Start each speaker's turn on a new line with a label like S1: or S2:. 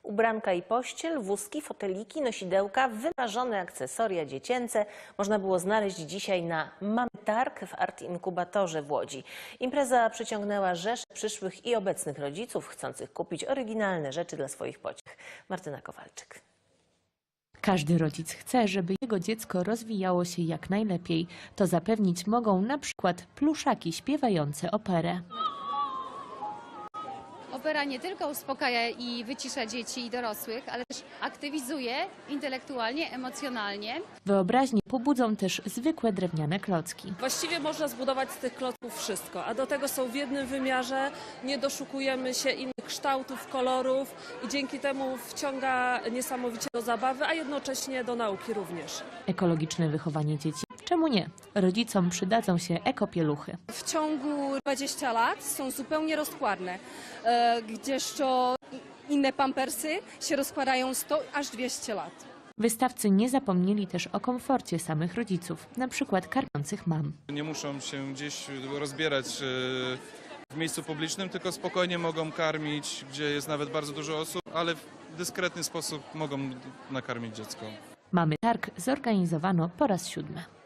S1: Ubranka i pościel, wózki, foteliki, nosidełka, wymarzone akcesoria dziecięce można było znaleźć dzisiaj na Mamy Targ w Art Inkubatorze w Łodzi. Impreza przyciągnęła rzesze przyszłych i obecnych rodziców chcących kupić oryginalne rzeczy dla swoich pociech. Martyna Kowalczyk.
S2: Każdy rodzic chce, żeby jego dziecko rozwijało się jak najlepiej. To zapewnić mogą na przykład pluszaki śpiewające operę.
S3: Opera nie tylko uspokaja i wycisza dzieci i dorosłych, ale też aktywizuje intelektualnie, emocjonalnie.
S2: Wyobraźnię pobudzą też zwykłe drewniane klocki.
S4: Właściwie można zbudować z tych klocków wszystko, a do tego są w jednym wymiarze, nie doszukujemy się innych kształtów, kolorów i dzięki temu wciąga niesamowicie do zabawy, a jednocześnie do nauki również.
S2: Ekologiczne wychowanie dzieci? Czemu nie? Rodzicom przydadzą się ekopieluchy.
S5: W ciągu 20 lat są zupełnie rozkładne, gdzież to inne pampersy się rozkładają 100 aż 200 lat.
S2: Wystawcy nie zapomnieli też o komforcie samych rodziców, na przykład karmiących mam.
S6: Nie muszą się gdzieś rozbierać w miejscu publicznym, tylko spokojnie mogą karmić, gdzie jest nawet bardzo dużo osób, ale w dyskretny sposób mogą nakarmić dziecko.
S2: Mamy Targ zorganizowano po raz 7.